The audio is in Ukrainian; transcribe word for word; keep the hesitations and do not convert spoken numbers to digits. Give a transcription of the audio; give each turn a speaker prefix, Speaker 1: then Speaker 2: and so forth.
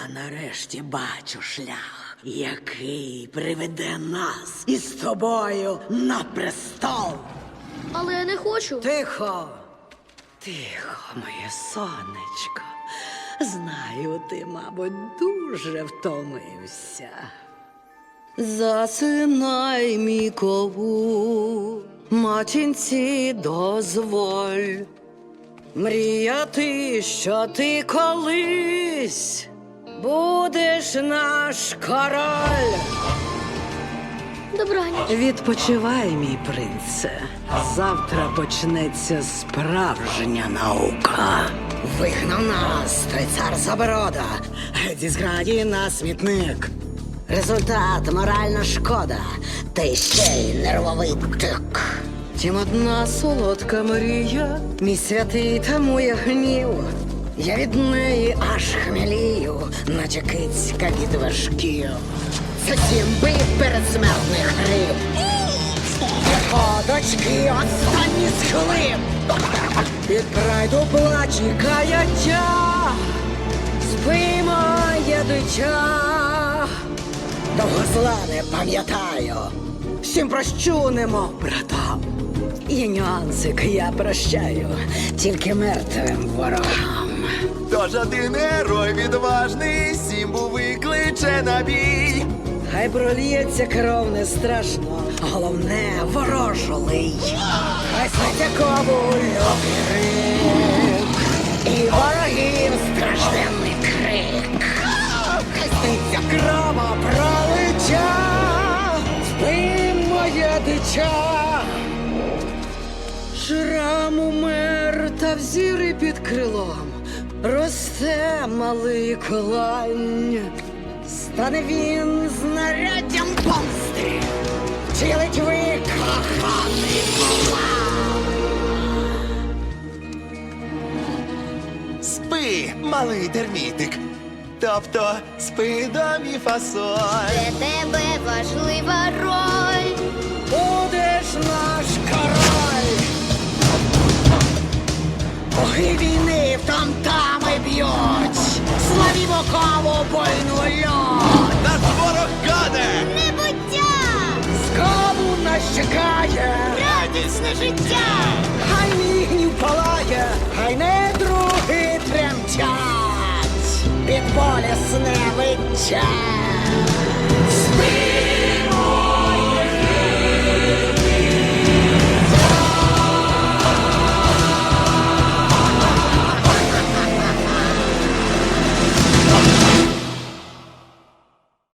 Speaker 1: нарешті бачу шлях, який приведе нас із тобою на престол.
Speaker 2: Але я не хочу.
Speaker 1: Тихо, тихо, моє сонечко. Знаю, ти, мабуть, дуже втомився. Засинай, мій кову, матінці дозволь мріяти, що ти колись будеш наш король.
Speaker 2: Добраніч.
Speaker 1: Відпочивай, мій принце. Завтра почнеться справжня наука. Вигнав нас, той цар Заборода. Геть зі зграді на смітник. Результат — моральна шкода, та й ще й нервовий тик. Тім одна солодка мрія, мій святий тамує гнів. Я від неї аж хмелію, наче кицька від важків. Це сімби передсмертних гриб. Його дочки останні схлип. Від прайду плач і каяття. Спи, моє дитя. Довго зла не пам'ятаю. Всім прощу, немов братам. Є нюансик, я прощаю тільки мертвим ворогам.
Speaker 3: Тож один герой відважний Сімбу викличе на бій.
Speaker 1: Хай проліється кров, не страшно, головне — ворожолий. Хай сниться ковульок рик, і ворогів стражденний крик. Хай сниться кровопролиття, спи, моє дитя. Шрам умер, та взіри під крилом росте малий клань. Стане він знаряддям помсти, втілить викоханий план.
Speaker 3: Спи, малий термітик. Тобто спи до мі фасоль.
Speaker 2: Для тебе важлива роль.
Speaker 1: Будеш наш король. Боги війни в там-тами б'ють, славімо ковбойну льот.
Speaker 3: Наш ворог гаде!
Speaker 2: Небуття!
Speaker 1: Скалу нас чекає,
Speaker 2: Радісне життя!
Speaker 1: хай мій гнів палає, хай недруги тремтять, під болісне виття.